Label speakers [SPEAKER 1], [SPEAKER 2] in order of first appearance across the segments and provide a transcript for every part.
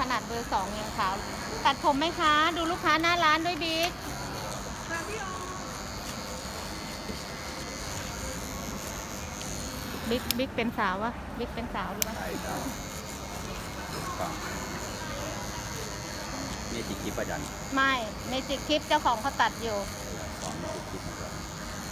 [SPEAKER 1] ขนาดเบอร์สองยังขาวตัดผมไหมคะดูลูกค้าหน้าร้านด้วยบิ๊กบิ๊กเป็นสาววะบิ๊กเป็นสาวหรือเปล่า
[SPEAKER 2] ใช่ครับฟังนี่ติดคลิปประจัน
[SPEAKER 1] ไม่เมจิกคลิปเจ้าของเขาตัดอยู่
[SPEAKER 2] สอนติดคลิปมาก่อน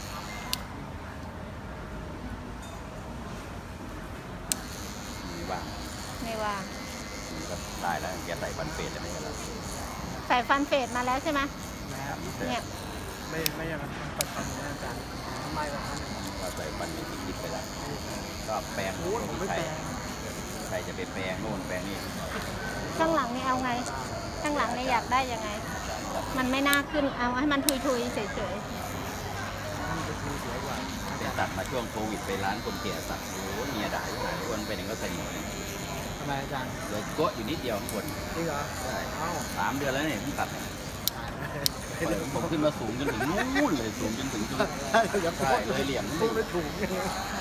[SPEAKER 2] มีบ้าง
[SPEAKER 1] ไม่ว่าง
[SPEAKER 2] นี่ก็ได้แล้วแกใส่ฟันเฟดแล้วไม่ใช่เหรอ
[SPEAKER 1] ใส่ฟันเฟดมาแล้วใช่ไหม
[SPEAKER 2] ครับนี่เสร็จ
[SPEAKER 1] เนี่ย
[SPEAKER 3] ไม่อย่างนั้นปัดปันนะอาจารย์ทำไมแบบนั้น
[SPEAKER 2] ก็ใส่ฟันมีติดคลิปไปแล้วก็แปรง
[SPEAKER 3] โอ้ยผมไม่
[SPEAKER 2] ใคร
[SPEAKER 3] แปลง
[SPEAKER 2] ใครจะไปแปรงโน่นแปรงนี่
[SPEAKER 1] ข้างหลังนี่เอาไงข้างหลังนี่อยากได้ยังไง มันไม่น่าขึ้นเอาให้มันทุยๆเฉย
[SPEAKER 3] มันจะดูสวยกว่า
[SPEAKER 2] ไปตัดมาช่วงโควิดไปร้านคนแก่ตัดโอ้โหเมียด่าอยู่ไหนคนไปหนึ่งก็ใส่หมวก
[SPEAKER 3] ทำไมอาจารย์
[SPEAKER 2] เลยโกะอยู่นิดเดียวคน
[SPEAKER 3] จริงเหรอ
[SPEAKER 2] ใช่
[SPEAKER 3] เอ้า
[SPEAKER 2] 3 เดือนแล้วเนี่ยเพิ่งตัดเนี่ย
[SPEAKER 3] ไม่ได้
[SPEAKER 2] ผมขึ้นมาสูงจนถึงนู่นเลยสูงจนถึงจุด
[SPEAKER 3] อย่าพู
[SPEAKER 2] ใช่
[SPEAKER 3] ด
[SPEAKER 2] เลยเหลี่ยม
[SPEAKER 3] พูดไม่ถูกไง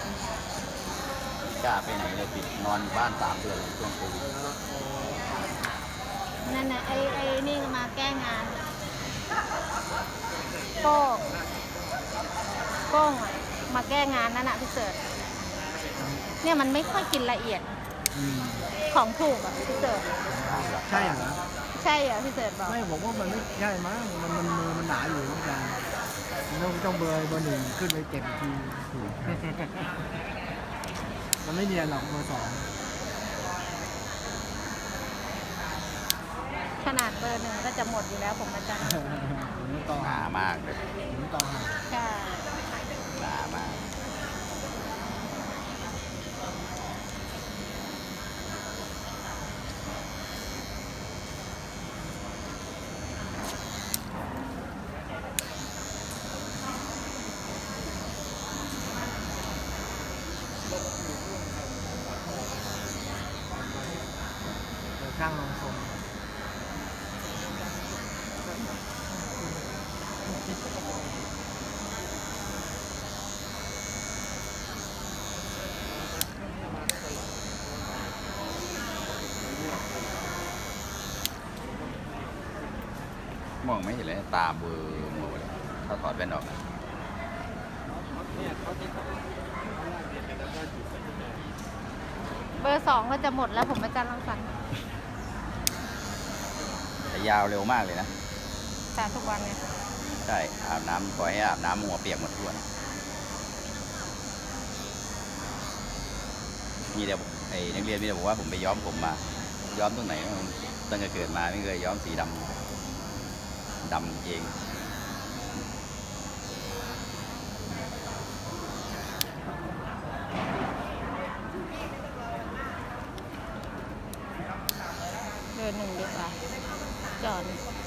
[SPEAKER 2] กล้าไปไหนเลยปิดนอนบ้าน3 เดือนเลยช่วงโควิด
[SPEAKER 1] ๆนั่นนะไอ้นี่มาแก้งานโก้งอะมาแก้งานนั่นน่ะพี่เสิร์ชเนี่ยมันไม่ค่อยกินละเอียด
[SPEAKER 3] อืม
[SPEAKER 1] ของถูกอ่ะพี่เสิร์ช
[SPEAKER 3] ใช่เหรอ
[SPEAKER 1] ใช่เหรอพี่เสิร์ชบอก
[SPEAKER 3] ไม่ผมว่ามันไม่ใช่มั้งมันมือมันหนาอยู่อาจารย์มันต้องเบอร์หนึ่งขึ้นไปเก็บอีกทีถูกมันไม่เนียนหรอกเบอร์สอง
[SPEAKER 1] ขนาดเบอร์หนึ่งก็จะหมดอยู่แล้วผมอาจารย์
[SPEAKER 3] ผมต่อ
[SPEAKER 2] หนามากเลย
[SPEAKER 3] ผมต่อหา
[SPEAKER 1] ใช่
[SPEAKER 2] หนามาก
[SPEAKER 3] เดี๋ยวช่างลงทรง
[SPEAKER 2] มองไม่เห็นเลยตาเบลอหมดเลยถ้าถอดแว่นออกนะ
[SPEAKER 1] เบอร์สองก็จะหมดแล้วผมอาจารย์รังสรรค์
[SPEAKER 2] แต่ยาวเร็วมากเลยนะ
[SPEAKER 1] ทานทุกวันเลย
[SPEAKER 2] ใช่อาบน้ำปล่อยให้อาบน้ำหัวเปียกหมดทุกวันมีแต่ไอ้นักเรียนมีแต่บอกว่าผมไปย้อมผมมา ย้อมตรงไหนตั้งแต่เกิดมาไม่เคยย้อมสีดำเอง
[SPEAKER 1] เบอร์หนึ่งดีกว่าจอด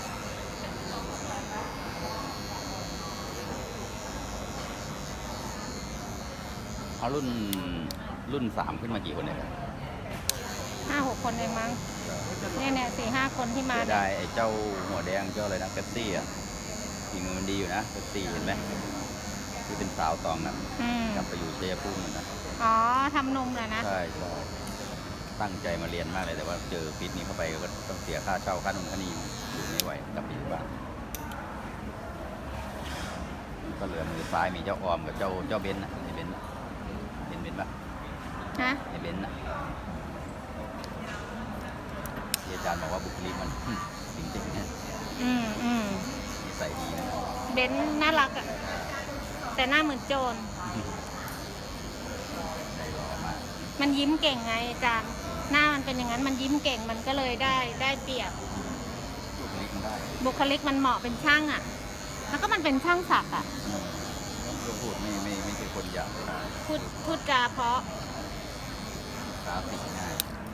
[SPEAKER 2] เอารุ่น3ขึ้นมากี่คนเนี่ย
[SPEAKER 1] 5-6 คนเองมั้งเนี่ย4-5 คนที่มา
[SPEAKER 2] เสีย
[SPEAKER 1] เนี่ย
[SPEAKER 2] ดายไอ้เจ้าหัวแดงเจ้าอะไรนะเป๊ปซี่อ่ะฝีมือมันดีอยู่นะเป๊ปซี่เห็นไหมที่เป็นสาวตองนั้น
[SPEAKER 1] อืม
[SPEAKER 2] กลับไปอยู่ชัยภูมินะ
[SPEAKER 1] อ๋อทำนมเหรอนะ
[SPEAKER 2] ใช่ตั้งใจมาเรียนมากเลยแต่ว่าเจอพิษนี้เข้าไปก็ต้องเสียค่าเช่าค่านมค่านีอยู่ไม่ไหวกลับไปอยู่บ้านก็เหลือมือซ้ายมีเจ้าออมกับเจ้าเบนซ์นะไอ้เบนซ์เห็นเบนซ์ปะ
[SPEAKER 1] ฮะ
[SPEAKER 2] ไอ้เบนซ์นะที่อาจารย์บอกว่าบุคลิกมัน จริงๆนะ
[SPEAKER 1] อืม
[SPEAKER 2] นิสัยดีนะ
[SPEAKER 1] เบนซ์น่ารักอ่ะ แต่หน้าเหมือนโจร
[SPEAKER 2] ใจร้อมาก
[SPEAKER 1] มันยิ้มเก่งไงอาจารย์ หน้ามันเป็นอย่างนั้น มันยิ้มเก่ง มันก็เลยได้เปรียบ
[SPEAKER 2] บุคลิกมันได้
[SPEAKER 1] บุคลิกมันเหมาะเป็นช่างอ่ะ แล้วก็มันเป็นช่างศักดิ์อ่ะ
[SPEAKER 2] ก็พูดไม่ใช่คนหยาบเลย
[SPEAKER 1] พูดจาเพราะ
[SPEAKER 2] กราฟิกง่าย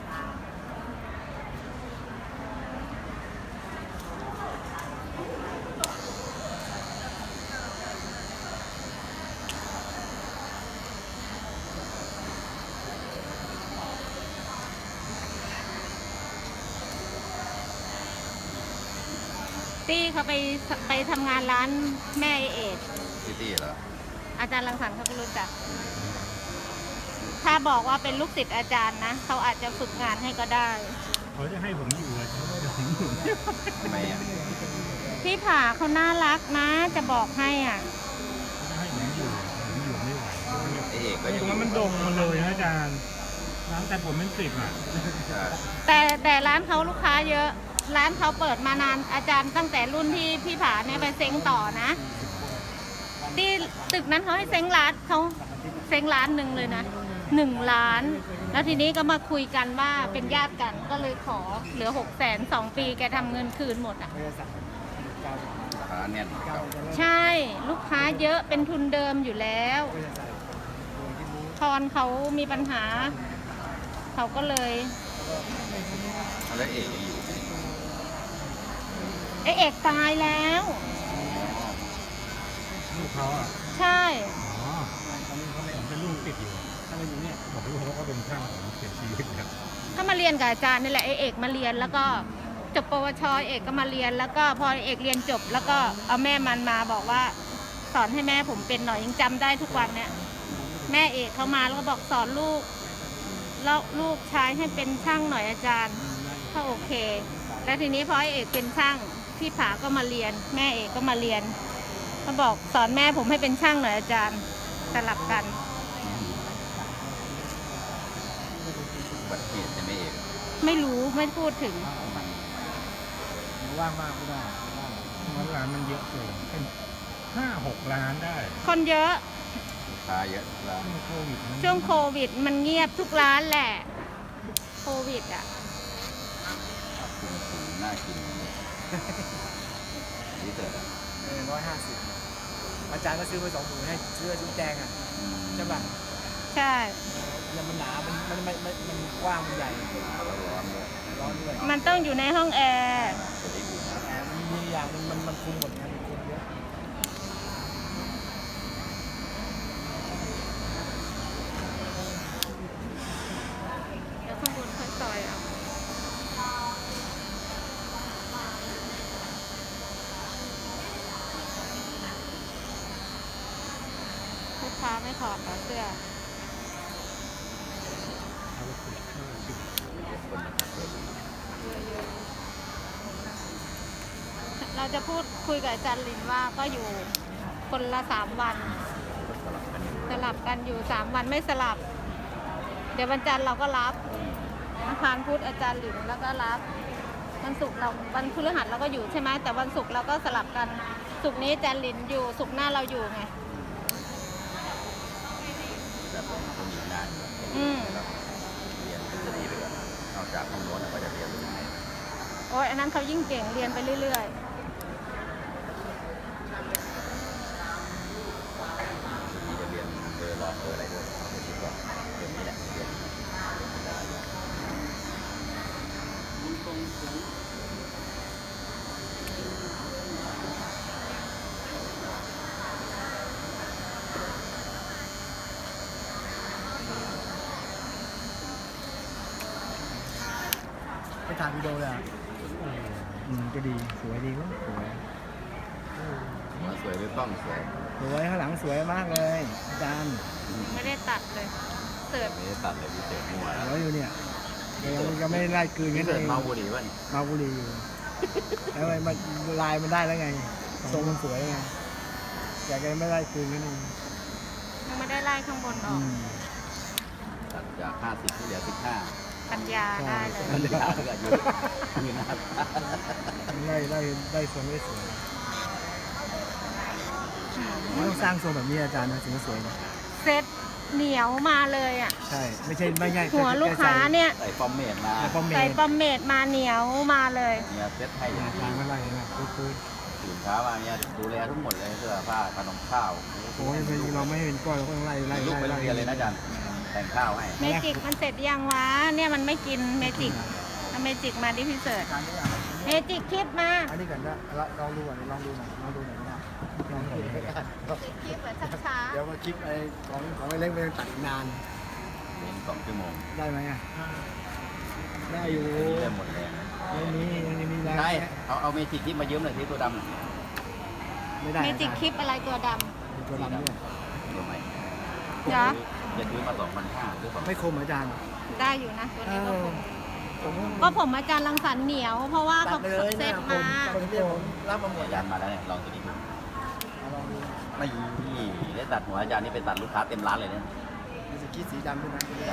[SPEAKER 1] ตี้เขาไปทำงานร้านแม่เอด
[SPEAKER 2] ซิตี้เหรอ
[SPEAKER 1] อาจารย์รังสรรค์เขาก็รู้จัก ถ้าบอกว่าเป็นลูกศิษย์อาจารย์นะ เขาอาจจะฝึกงานให้ก็ได้
[SPEAKER 2] อ
[SPEAKER 4] เขาจะให้ผมอยู่เลยเขาไม่ให้ผมอยู่
[SPEAKER 2] ทำไมอ่ะ
[SPEAKER 1] พี่ผาเขาน่ารักนะ จะบอกให้อ่ะ
[SPEAKER 4] เขาจะให้ผมอยู่ไม่ไหว
[SPEAKER 2] ไอเอกก็
[SPEAKER 4] ต
[SPEAKER 2] ยัง
[SPEAKER 4] รงนั้นมันดงมาเลยนะอาจารย์ร้านแต่ผมเป็น10อ่ะ
[SPEAKER 1] แต่ร้านเขาลูกค้าเยอะ ร้านเขาเปิดมานานอาจารย์ตั้งแต่รุ่นที่พี่ผาเนี่ยไปเซ้งต่อนะที่ตึกนั้นเขาให้เซ้งร้านเขาเซ้งร้านหนึ่งเลยนะ1 ล้าน แล้วทีนี้ก็มาคุยกันว่าเป็นญาติกันก็เลยขอเหลือ600,000 2 ปีแกทำเงินคืนหมดอ่ะ
[SPEAKER 2] ร้านเนี่ยเก่า
[SPEAKER 1] ใช่ลูกค้าเยอะเป็นทุนเดิมอยู่แล้วพรเขามีปัญหา เขาก็เลย
[SPEAKER 2] แล้วเอกยังอยู่ไหม
[SPEAKER 1] ไอเอกตายแล้ว
[SPEAKER 4] ลูกเขาอ่ะ
[SPEAKER 1] ใช่
[SPEAKER 4] อ๋อผมเป็นลูกติดอยู่ถ้าไม่อยู่เนี่ยบอกลูกเขาก็เป็นช่างของเสียชีวิตครับ
[SPEAKER 1] ก็มาเรียนกับอาจารย์นี่แหละไอเอกมาเรียนแล้วก็จบปวชเอกก็มาเรียนแล้วก็พอเอกเรียนจบ แล้วก็เอาแม่มันมาบอกว่า สอนให้แม่ผมเป็นหน่อยยังจำได้ทุกวันเนี่ยแม่เอกเขามาแล้วก็บอกสอนลูกแล้วลูกชายให้เป็นช่างหน่อยอาจารย์ก็โอเค แล้วทีนี้พอไอเอกเป็นช่างพี่ผาก็มาเรียน แม่เอกก็มาเรียนเขาบอกสอนแม่ผมให้เป็นช่างหน่อยอาจารย์สลับกัน
[SPEAKER 2] อุบัติเหตุใช่ไหมเอก
[SPEAKER 1] ไม่รู้ไม่พูดถึง
[SPEAKER 3] ว่างมากไม่ได้
[SPEAKER 4] ร้านมันเยอะเกินเป็น5-6 ล้านได้
[SPEAKER 1] คนเยอะ
[SPEAKER 2] ลูกค้าเยอะร้าน
[SPEAKER 4] โควิดมัน
[SPEAKER 1] ช่วงโควิดมันเงียบทุกร้านแหละ โควิดอ่ะ
[SPEAKER 2] คุณน่ากินนี่เถิดอ่ะ
[SPEAKER 3] 150อาจารย์ก็ซื้อไป20,000ให้เสื้อชุดแดงอ่ะใช่ป่ะ
[SPEAKER 1] ใช่
[SPEAKER 3] แล้วมันหนามันกว้างมันใหญ่
[SPEAKER 2] ร้อนด้วย
[SPEAKER 3] ร้อนด้วย
[SPEAKER 1] มันต้องอยู่ในห้องแอร์
[SPEAKER 2] จะได้อุ่น
[SPEAKER 3] แต่มันมีอย่างนึงมันคุมหมดนะมันคุมเยอะ
[SPEAKER 1] เดี๋ยวข้างบนค่อยซอยเอาลูกค้าไม่ถอดเหรอเสื้อ เราจะพูดคุยกับอาจารย์ลินว่าก็อยู่คนละ3 วัน สลับกันอยู่3 วันไม่สลับ เดี๋ยววันจันทร์เราก็รับอังคารพุธอาจารย์ลินแล้วก็รับวันศุกร์เราวันพฤหัสเราก็อยู่ใช่ไหมแต่วันศุกร์เราก็สลับกันศุกร์นี้อาจารย์ลินอยู่ศุกร์หน้าเราอยู่ไง
[SPEAKER 2] แบบคนอยู่นาน
[SPEAKER 1] อืม
[SPEAKER 2] แล้วเรียนทฤษฎีไปก่อนนอกจากห้องโน้นก็จะเรียนรู้ยังไง
[SPEAKER 1] โอ้ยอันนั้นเขายิ่งเก่งเรียนไปเรื่อย
[SPEAKER 2] ที่จะเรียนเบอร์รองเบอร์อะไรด้วยเอาไปคิดก่อนเรียนนี่แหละเรียน
[SPEAKER 3] ไปถ่ายวิดีโอเลยอ่ะก็ดีสวยดีก็สวย
[SPEAKER 2] มาสวยด้วยกล้องสวย
[SPEAKER 3] สวยข้างหลังสวยมากเลยอาจารย์
[SPEAKER 1] ๆไม่ได้ตัดเลยเสิร์ฟ
[SPEAKER 2] ไม่ได้ตัดเลยพิเศษมั่ว
[SPEAKER 3] สวยอยู่เนี่ยยังไม่ได้ไล่กลืน
[SPEAKER 2] พิ
[SPEAKER 3] กัน
[SPEAKER 2] เศ
[SPEAKER 3] เอ
[SPEAKER 2] ษ
[SPEAKER 3] ง
[SPEAKER 2] เมาบุหรี่ป่ะนี่
[SPEAKER 3] มาบุรีอยู่แล้วมันลายมันได้แล้วไงทรงมันสวยไงแต่ก็ไม่ไล่กลืนกันเอง
[SPEAKER 1] ยังไม่ได้ไล่ข้างบนออก
[SPEAKER 2] ตัดจาก50ที่เหลือ15
[SPEAKER 1] ปัญญาได้เลย
[SPEAKER 2] มันยาวก็อยู่อยู่นะครับ
[SPEAKER 3] ได้ทรงได้สวยมันต้องสร้างทรงแบบนี้อาจารย์นะถึงจะสวยนะ
[SPEAKER 1] เซ็ตเหนียวมาเลยอ่ะ
[SPEAKER 3] ใช่ไม่ใช่ไม่ง่าย
[SPEAKER 1] หัวลูกค้าเนี่ย
[SPEAKER 2] ใส่ฟอร์มเมดมา
[SPEAKER 3] พอเม
[SPEAKER 1] ใส่
[SPEAKER 3] ย์
[SPEAKER 1] ปอมเมดมาเหนียวมาเลย
[SPEAKER 2] เนี่ยเซ็ตให้อย่าง
[SPEAKER 3] อา
[SPEAKER 2] ดี
[SPEAKER 3] จารย์ไม่ไล่นะปื๊ด
[SPEAKER 2] ตื่นเช้ามาเนี่ยดูแลทั้งหมดเลยเสื้อผ้าขนมข้าว
[SPEAKER 3] โอ้ยเราไม่เห็นก้อยเราก็ต้องไล่
[SPEAKER 2] ลูกไปโรงเรียนเลยนะอาจารย์แต่งข้าวให้
[SPEAKER 1] เมจิกมันเสร็จยังวะ เนี่ยมันไม่กินเมจิกเอาเมจิกมาดิพี่เสิร์ชเมจิกคลิปมา
[SPEAKER 3] อันนี้ก่อนนะลองดูก่อนลองดูหน่อยก็ได้ลองดู
[SPEAKER 1] คลิปแบบช้า
[SPEAKER 3] เดี๋ยวมาคลิปไอ้ของไอ้เล็กไปตัดอีกนาน
[SPEAKER 2] เรียน2 ชั่วโมง
[SPEAKER 3] ได้ไหมอ่ะได้อยู่
[SPEAKER 2] เริ่มหมดแรง
[SPEAKER 3] ยังมีแรง
[SPEAKER 2] ใช่เอาเมจิกที่มายืมหน่อยที่ตัวดำ
[SPEAKER 3] ไม่ได้
[SPEAKER 1] ๆเมจิกคลิปอะไรตัวด
[SPEAKER 3] มีตัวดำด้วย
[SPEAKER 2] ตัวใหม่
[SPEAKER 1] ำเหรอ
[SPEAKER 2] จะซื้อมา2,500หรือ2,000
[SPEAKER 3] ไม่คมอาจารย์
[SPEAKER 1] ได้อยู่นะตัวนี้ก็คง
[SPEAKER 3] ผม
[SPEAKER 1] ก็ผมอาจารย์รังสรรค์เหนียว เพราะว่า
[SPEAKER 3] ตั
[SPEAKER 1] เขา
[SPEAKER 3] ดไปเลย
[SPEAKER 1] เซ
[SPEAKER 3] เนี่ย
[SPEAKER 1] ต
[SPEAKER 3] ผม
[SPEAKER 1] มา
[SPEAKER 3] คนเดียวผมรับมาหมด
[SPEAKER 2] อาจารย์มาแล้วเนี่ยลองตัวนี้ดู
[SPEAKER 3] ลองดู
[SPEAKER 2] ไม่ได้ตัดหัวอาจารย์นี่ไปตัดลูกค้าเต็มร้านเลยเนี่ย
[SPEAKER 3] มีสกีสีดำด้วยนะ
[SPEAKER 2] ได้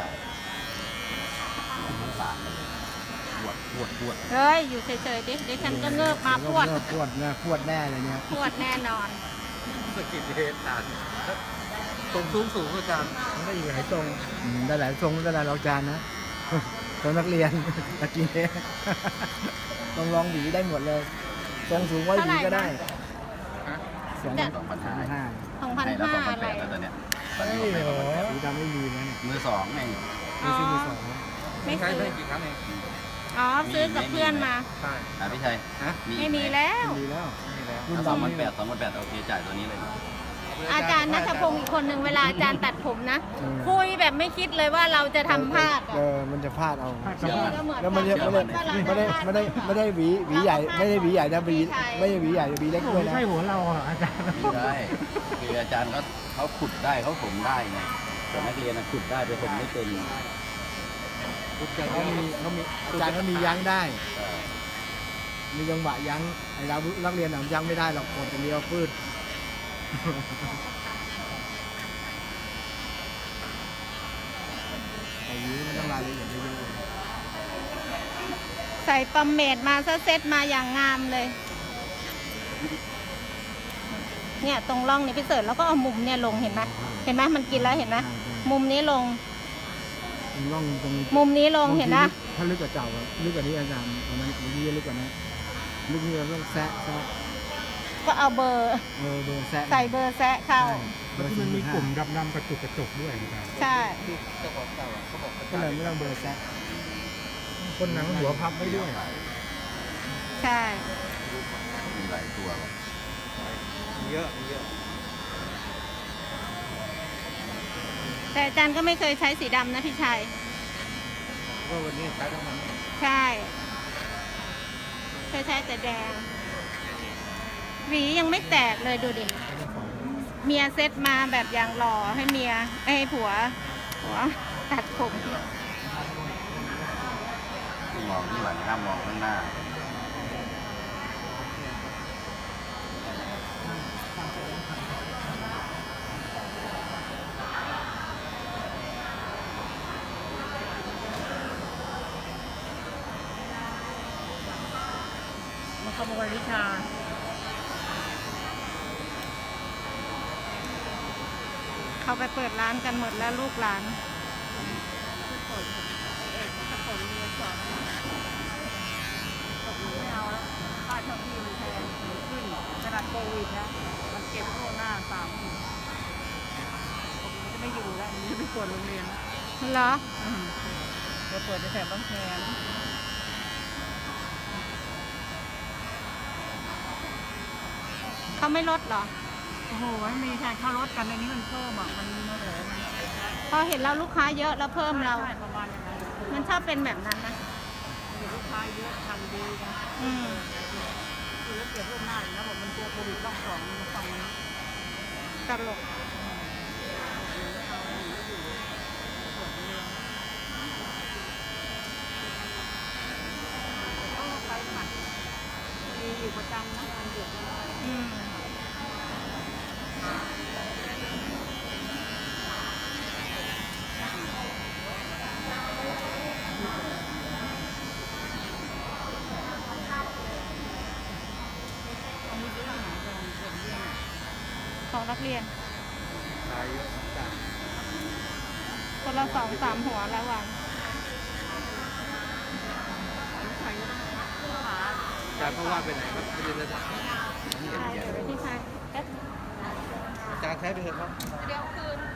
[SPEAKER 2] สารเลยปวด
[SPEAKER 1] เฮ้ย อยู่เฉยๆดิเดี๋ยวฉันก็เงิบมาพวด
[SPEAKER 3] พวดนะพวดแน่เลยเนี่ย
[SPEAKER 1] พวดแน่นอน
[SPEAKER 4] สกิดเฮดอาจารย์ตรงสูงอาจารย์มันได้อยู่หลายตรง
[SPEAKER 3] ได้หลายทรงได้หลายรองจานนะทรงนักเรียนตะกี้เนี่ยลองหวีได้หมดเลยทรงสูงไว้หวีก็ได้
[SPEAKER 1] เท่าไหร่นะ
[SPEAKER 3] 2,500
[SPEAKER 2] 2,500
[SPEAKER 1] 2,500
[SPEAKER 2] ให้
[SPEAKER 1] อะไร
[SPEAKER 2] แล้ว2,800แล้วตอนเนี้ยตอนนี้ผมให้2,800
[SPEAKER 3] สีดำไม่มีนะเนี่ย
[SPEAKER 2] มือสองไง
[SPEAKER 3] ไม่ซื้อมือสอง
[SPEAKER 1] ไม่
[SPEAKER 4] ใช้
[SPEAKER 1] ซื้อ
[SPEAKER 4] ได้กี่ครั้งเอง
[SPEAKER 1] อ๋อ ซื้อกับเพื่อนมา
[SPEAKER 4] ใช่
[SPEAKER 2] พี่ชัย
[SPEAKER 1] ไม่มีแล้ว
[SPEAKER 3] มีแล้ว
[SPEAKER 4] มีแล้ว
[SPEAKER 3] รุ่น
[SPEAKER 2] สอง
[SPEAKER 3] ดำ
[SPEAKER 2] พัน
[SPEAKER 3] นี่
[SPEAKER 2] แปด2,800โอเคจ่ายตัวนี้เลย
[SPEAKER 1] อาจารย์นัทพงศ์อีกคนหนึ่งเวลาอาจารย์ตัดผมนะ
[SPEAKER 3] อืม
[SPEAKER 1] คุยแบบไม่คิดเลยว่าเราจะทำพลาดอะ
[SPEAKER 3] มันจะพลาดเอา
[SPEAKER 2] เชื่อมัน
[SPEAKER 1] ก็เหมือน
[SPEAKER 3] แล้วมันจะไม่ได้หวีใหญ่ไม่ได้หวีใหญ่นะหวีไม่ได้หวีใหญ่หวีเล็กด้วยนะ
[SPEAKER 4] ไม่ใช่หัวเราอาจารย์
[SPEAKER 2] ไม่ได้คืออาจารย์เขาขุดได้เขาถมได้ไงแต่นักเรียนขุดได้ไปถมไม่เป็น
[SPEAKER 3] เขามีอาจารย์เขามียั้งได้ มีจังหวะยั้งไอ้เรานักเรียนหนังยั้งไม่ได้หรอกกดแต่เดียวปืดไอ้นี้มันต้องรายละเอียดเยอะ
[SPEAKER 1] ใส่ปอมเมดมาซะเซตมาอย่างงามเลย เนี่ยตรงร่องนี่พี่เสิร์ชแล้วก็เอามุมเนี่ยลงเห็นไหมเห็นไหมมันกินแล้วเห็นไหมมุมนี้ลง
[SPEAKER 3] ๆร่องตรง
[SPEAKER 1] มุมนี้ลงเห็นนะ
[SPEAKER 3] ถ้าลึกกว่าเก่าลึกกว่านี้อาจารย์ประมาณนี้ลึกกว่านั้นลึกนี่เราต้องแซะ
[SPEAKER 1] ก็เอาเบอร์
[SPEAKER 3] เบอร์แซะ
[SPEAKER 1] ใส่เบอร์แซะเข้า
[SPEAKER 3] เบอร์
[SPEAKER 4] ที่มันมีกลุ่ม
[SPEAKER 3] 45
[SPEAKER 4] ดำๆกระจุกด้วยอาจารย์
[SPEAKER 1] ใช่
[SPEAKER 3] ก็เลยไม่ต้องเบอร์แซะ
[SPEAKER 4] คนหนังหัวพับไม่ด้วย
[SPEAKER 1] ใช่
[SPEAKER 2] มีหลายตัวแบบ
[SPEAKER 4] เยอะ
[SPEAKER 1] แต่อาจารย์ก็ไม่เคยใช้สีดำนะพี่ชัย
[SPEAKER 4] ก็วันนี้ใช้ทั้งนั้น
[SPEAKER 1] ใช่เคยใช้แต่แดง หวียังไม่แตกเลยดูดิ เมียเซ็ตมาแบบอย่างหล่อให้เมียให้ผัวตัดผม
[SPEAKER 2] มองที่หลังห้ามมองข้างหน้า
[SPEAKER 1] มาขโมยวิชาเขาไปเปิดร้านกันหมดแล้วลูกหลานไม่เอาแล้วค่าเช่าที่มันแพงขึ้นขนาดโควิดนะมันเก็บโน่นหน้า30,000ผมจะไม่อยู่แล้วมันจะไม่เปิดโรงเรียนเหรอจะเปิดในแถบบ้านแพงเขาไม่ลดเหรอ
[SPEAKER 5] โอ้โหไม่มีใครเข้ารถกันในนี้มันเพิ่มอ่ะ มันโอ้โหมัน
[SPEAKER 1] พอเห็นเราลูกค้าเยอะแล้วเพิ่มเรา
[SPEAKER 5] ใช่ประมาณอย่างนั้น
[SPEAKER 1] มันชอบเป็นแบบนั้นนะ
[SPEAKER 5] เดี๋ยวลูกค้าเยอะทันดีนะ
[SPEAKER 1] อืม
[SPEAKER 5] คือแล้วเก็บล่วงหน้าอยู่นะบอกมันกลัวโควิดรอบสองมันฟังมัน
[SPEAKER 1] ตลก
[SPEAKER 5] ก็ไปผัดมีอยู่ประจำนะมันหยุด
[SPEAKER 1] อืม
[SPEAKER 5] อันนี้ซื้อที่ไหนกันเด็กเรียน
[SPEAKER 1] ของนักเรียน
[SPEAKER 4] ขายเยอะจ้ะ
[SPEAKER 1] คนละ2-3 หัวแล้ววัน
[SPEAKER 5] ใครก็ต้องหา
[SPEAKER 4] อาจารย์เพราะว่าไปไหนครับไม่ได้เลย
[SPEAKER 1] พี่ชายเอ๊ะ
[SPEAKER 4] อาจารย์ใช้ไปเถอะครับ
[SPEAKER 1] เดี๋ยวคืน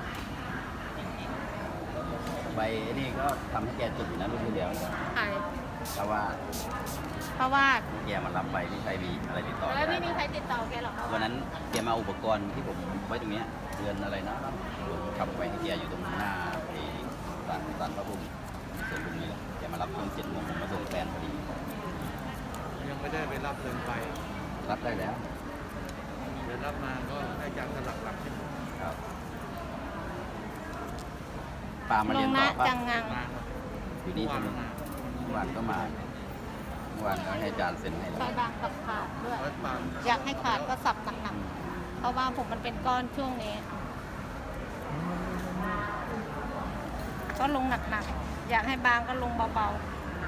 [SPEAKER 2] ใบนี่ก็ทำให้แกจุดอยู่นะรุ่นที่แล้ว
[SPEAKER 1] ใคร
[SPEAKER 2] เพราะว่า
[SPEAKER 1] เพราะว่า
[SPEAKER 2] แกมารับไปที่ใช้มีอะไรติดต่อ
[SPEAKER 1] แล้วไม่มีใครติดต่อแกหรอก
[SPEAKER 2] วันนั้นแกมาเอาอุปกรณ์ที่ผมไว้ตรงเนี้ยเดือนอะไรนะผมขับไปให้แกอยู่ตรงหน้าไอ้ศาลพระภูมิส่วนตรงนี้แหละแกมารับช่วง7 โมงผมมาส่งแฟนพอดี
[SPEAKER 4] ยังไม่ได้ไปรับเงินไป
[SPEAKER 2] รับได้แล้ว
[SPEAKER 4] เดี๋ยวรับมาก็ให้อาจารย์สลักหลักที่
[SPEAKER 2] ครับปามา
[SPEAKER 1] ล
[SPEAKER 2] เรีย
[SPEAKER 1] ง
[SPEAKER 2] น
[SPEAKER 1] นะ
[SPEAKER 2] ต่อป่ะ
[SPEAKER 1] จังงัง
[SPEAKER 4] มาครับ
[SPEAKER 2] อยู่นี่ใช่ไหม
[SPEAKER 4] มา
[SPEAKER 2] มื่อวานก็มาเมื่อวานก็ให้อาจารย์เซ็นให้
[SPEAKER 1] ซอยบางกับขาดด้วย
[SPEAKER 3] วัดบาง
[SPEAKER 1] อยากให้ขาดก็สับหนักๆเพราะว่าผมมันเป็นก้อนช่วงนี้ ก็ลงหนักๆ อยากให้บางก็ลงเบา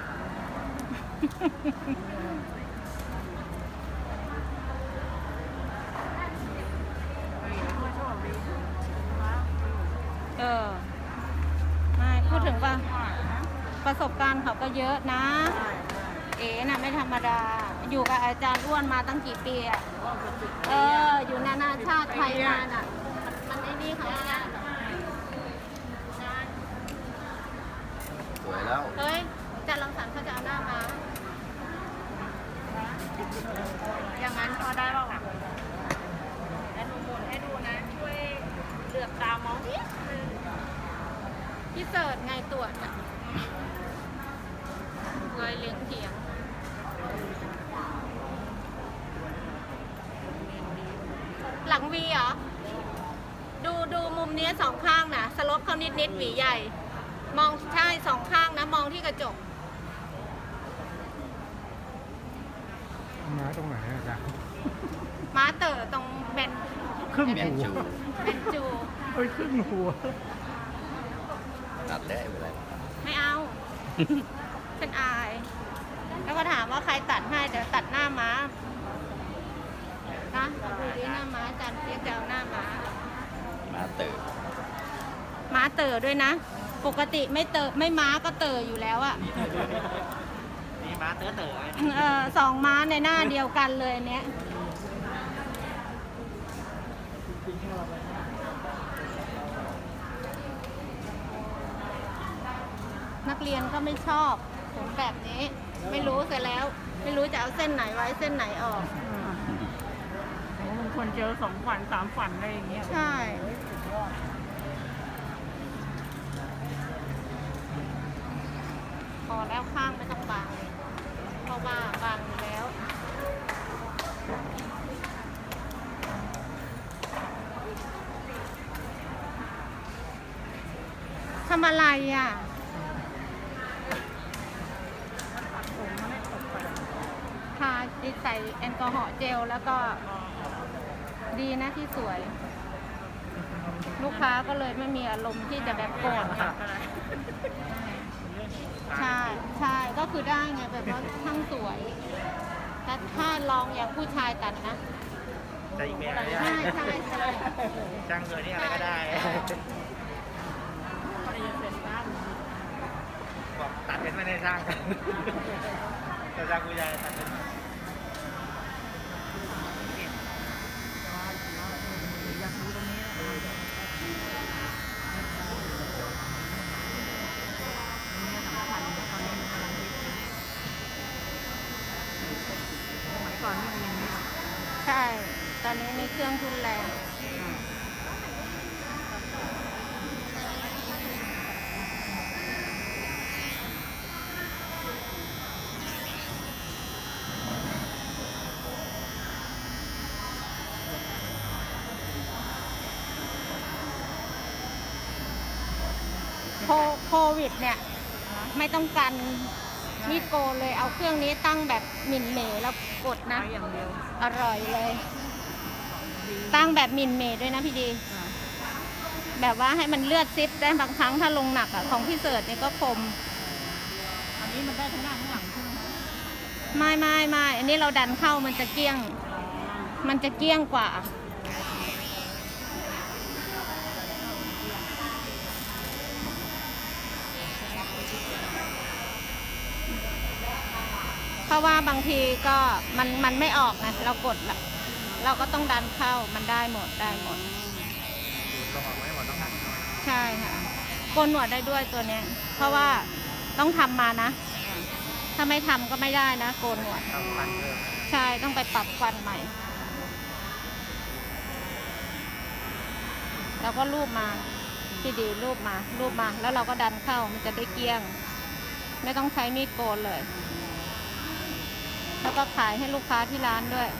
[SPEAKER 1] ๆ ไม่พูดถึงว่าประสบการณ์เขาก็เยอะนะ เอ๋น่ะไม่ธรรมดา อยู่กับอาจารย์อ้วนมาตั้งกี่ปีอ่ะ อยู่นานาชาติไทยมาน่ะ มันไอ้นี่เขาเนี่ย
[SPEAKER 2] สวยแล้ว
[SPEAKER 1] เฮ้ยอาจารย์รังสรรค์เขาจะเอาหน้ามา อย่างนั้นพอได้ป่าวะแล้วหนูหมุนให้ดูนะ ช่วยเหลือบตามองนิดนึงพี่เสิร์ชไงตรวจอ่ะเลยเลี้ยงเถียง หลังวีเหรอ ดูมุมนี้สองข้างนะสลบเขานิดหวีใหญ่ มองใช่สองข้างนะ มองที่กระจก
[SPEAKER 4] มาตรงไหนอาจารย์
[SPEAKER 1] ม้าเต๋อตรงเบน
[SPEAKER 4] ครึ่ง
[SPEAKER 2] เมียน
[SPEAKER 4] หัว
[SPEAKER 2] จู
[SPEAKER 1] เบนจู
[SPEAKER 4] เอ้ยครึ่งหัว
[SPEAKER 2] ตัดได้ไปเลย
[SPEAKER 1] ไม่เอา ฉันอาย แล้วก็ถามว่าใครตัดให้เดี๋ยวตัดหน้าม้านะดูดิหน้าม้าอาจารย์เปียกจะเอาหน้าม้า
[SPEAKER 2] มาเต๋อ
[SPEAKER 1] ม้าเต๋อด้วยนะ ปกติไม่เต๋อไม่ม้าก็เต๋ออยู่แล้วอะ
[SPEAKER 5] นี่มาเต๋อ
[SPEAKER 1] สองม้าในหน้าเดียวกันเลยอันเนี้ยนักเรียนก็ไม่ชอบผมแบบนี้ ไม่รู้เสร็จแล้ว ไม่รู้จะเอาเส้นไหนไว้เส้นไหนออก
[SPEAKER 5] บางคนเจอ2 ฝัน 3 ฝันอะไรอย่างเงี้ย
[SPEAKER 1] ใช่ พอแล้วข้างไม่ต้องบางเพราะว่าบางอยู่แล้ว ทำอะไรอ่ะ ทาใส่แอลกอฮอล์เจลแล้วก็ดีนะที่สวย ลูกค้าก็เลยไม่มีอารมณ์ที่จะแบบโกรธค่ะ ใช่ใช่ก็คือได้ไงแบบว่าช่างสวยแต่ถ้าลองอย่างผู้ชายตัดนะ
[SPEAKER 5] แต่อีกแบบ
[SPEAKER 1] ใช่ใช่ใช่
[SPEAKER 5] ช่างเงินนี่อะไรก็ได้บอกตัดเป็นไม่ได้ช่างแต่ช่างผู้ใหญ่ตัดเป็นอยากรู้ตรงนี้สมัยก่อนนี่มันยังไม่
[SPEAKER 1] ใช่ ตอนนี้มีเครื่องทุนแรง โควิดเนี่ย ไม่ต้องกันมีดโกนเลยเอาเครื่องนี้ตั้งแบบหมิ่นเหมแล้วกดนะ
[SPEAKER 5] อย่างเดียว
[SPEAKER 1] อร่อยเลย ตั้งแบบหมิ่นเหมด้วยนะพี่ดี แบบว่าให้มันเลือดซิปได้บางครั้งถ้าลงหนักอ่ะของพี่เสิร์ชเนี่ยก็คม
[SPEAKER 5] อันนี้มันได้ทั้งหน้าทั้งหลังใช่ไหม
[SPEAKER 1] ไม่อันนี้เราดันเข้ามันจะเกลี้ยง มันจะเกลี้ยงกว่า เพราะว่าบางทีก็มันไม่ออกนะเรากดละเราก็ต้องดันเข้ามันได้หมด
[SPEAKER 5] ลงออกไม่หมดต้องหัน
[SPEAKER 1] ใช่ค่ะโกนหนวดได้ด้วยตัวเนี้ย เพราะว่าต้องทำมานะ ถ้าไม่ทำก็ไม่ได้นะโกนหนวด
[SPEAKER 5] ทำฟันเพิ่ม
[SPEAKER 1] ใช่ต้องไปปรับฟันใหม่ แล้วก็รูปมาที่ดีรูปมาแล้วเราก็ดันเข้ามันจะได้เกลี้ยง ไม่ต้องใช้มีดโกนเลย แล้วก็ขายให้ลูกค้าที่ร้านด้วย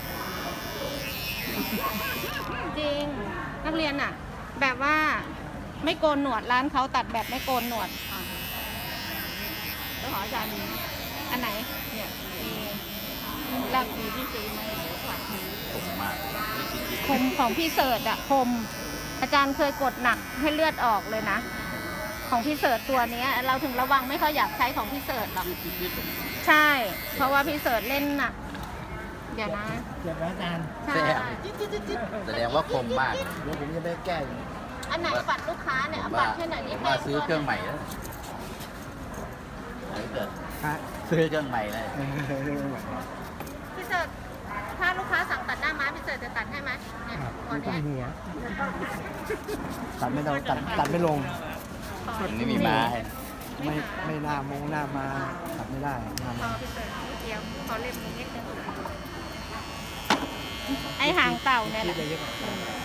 [SPEAKER 1] จริงนักเรียนอ่ะ แบบว่าไม่โกนหนวดร้านเขาตัดแบบไม่โกนหนวด
[SPEAKER 5] แล้วขออาจารย์มี
[SPEAKER 1] อันไหนเนี่ยมี
[SPEAKER 5] หลักสีที่ซื้อมาฝากมือ
[SPEAKER 2] ผมมาก
[SPEAKER 1] คมของพี่เสิร์ชอะคม อาจารย์เคยกดหนักให้เลือดออกเลยนะ ของพี่เสิร์ชตัวเนี้ย เราถึงระวังไม่ค่อยอยากใช้ของพี่เสิร์ชหรอกใช่ เพราะว่าพี่เสิร์ชเล่นหนักเดี๋ยวนะ
[SPEAKER 3] เจ็บแล้วอาจารย์
[SPEAKER 1] ใช่
[SPEAKER 2] แสดงว่าคมมาก
[SPEAKER 3] เดี๋ยวผมจะได้แก้อยู่
[SPEAKER 1] อันไหนปัดลูกค้าเนี่ย
[SPEAKER 2] ผ
[SPEAKER 1] เอา
[SPEAKER 2] ม
[SPEAKER 1] ปั
[SPEAKER 2] ว่า
[SPEAKER 1] ดให้หน่อย
[SPEAKER 2] ผ
[SPEAKER 1] นี่
[SPEAKER 2] มว่าซื้อเครื่องใหม่แล้วเกิด
[SPEAKER 3] ฮะ
[SPEAKER 2] ซื้อเครื่องใหม่เลย
[SPEAKER 1] พี่เสิร์ชถ้าลูกค้าสั่งตัดหน้าม้าพี่เสิร์ชจะตัดให้ไหมเนี่ยตัว
[SPEAKER 4] ต้
[SPEAKER 1] เนี้
[SPEAKER 4] น
[SPEAKER 1] ย
[SPEAKER 4] หัว
[SPEAKER 3] ตัดไม่ลงตัดไม่ลง
[SPEAKER 2] มันไม่มีม้าให้
[SPEAKER 3] ไม่หน้ามงหน้ามาตัดไม่ได้หน้า
[SPEAKER 1] พ
[SPEAKER 3] มา
[SPEAKER 1] อพี่เสิร์ชนิดเดียวพอเล่มนี้นิดนึงไอหางเต่าเนี่ยแห
[SPEAKER 3] คิด
[SPEAKER 1] ละ
[SPEAKER 3] อะไรเยอะกว่า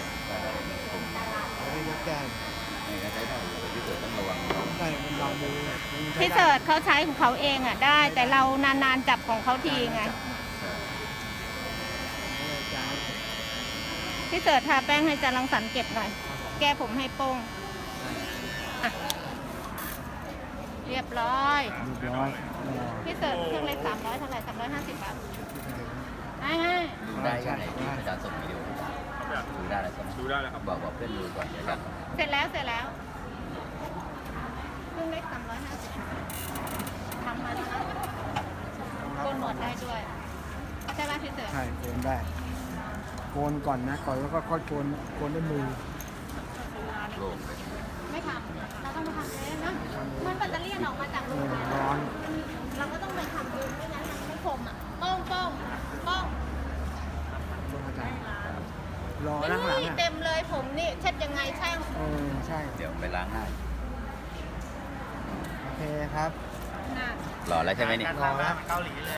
[SPEAKER 3] ไม่ยกแก้
[SPEAKER 2] นี่ก็ใช้ได้อยู่แต่พี่เกิดต้องระวัง
[SPEAKER 3] ได้มันลองดู
[SPEAKER 1] พี่เสิร์ชเขาใช้ของเขาเองอ่ะได้ แต่เรานานๆจับของเขาทีไงพี่เสิร์ชทาแป้งให้จารังสรรค์เก็บหน่อย แก้ผมให้โป้งอ่ะเรียบร้อย
[SPEAKER 3] เรียบร้อย
[SPEAKER 1] พี่เสิร์ชเครื่องเล็ก300เท่าไหร่350 บาทให้
[SPEAKER 2] ดูได้ยังไงที่อาจารย์ส่งวิดีโอดูได้แล้วใช่ไหมดูได้แล้วครับบอกเพื่อนดูก่อนเดี๋ยวกัน
[SPEAKER 1] เสร็จแล้วเครื่องเล็ก350ทำมาแล้วนะโกนหนวดได้ด้วยใช่ป่ะพี่เสิร์ช
[SPEAKER 3] ใช่โกนได้โกนก่อนนะก่อนแล้วก็ค่อยโกนด้วยมือ
[SPEAKER 2] โล่งเลย
[SPEAKER 1] ไม่ทำเราต้องมาทำเองนะมันแบตเตอรี่ออกมาจากโรงงาน
[SPEAKER 3] ร้อน
[SPEAKER 1] เราก็ต้องไปทำเองไม่งั้นมันไม่คมอ่ะป้องป้องป้อง
[SPEAKER 3] อาจารย์รอนั่งหลัง
[SPEAKER 1] นี่
[SPEAKER 3] อ่ะ
[SPEAKER 1] เต็มเลยผมนี่เช็ดยังไงช่าง
[SPEAKER 3] ใช่
[SPEAKER 2] เดี๋ยวไปล้างหน้า
[SPEAKER 3] โอเคครับ
[SPEAKER 1] น่ะ
[SPEAKER 2] หล่อแล้วใช่ไหมนี่
[SPEAKER 3] รอแล้ว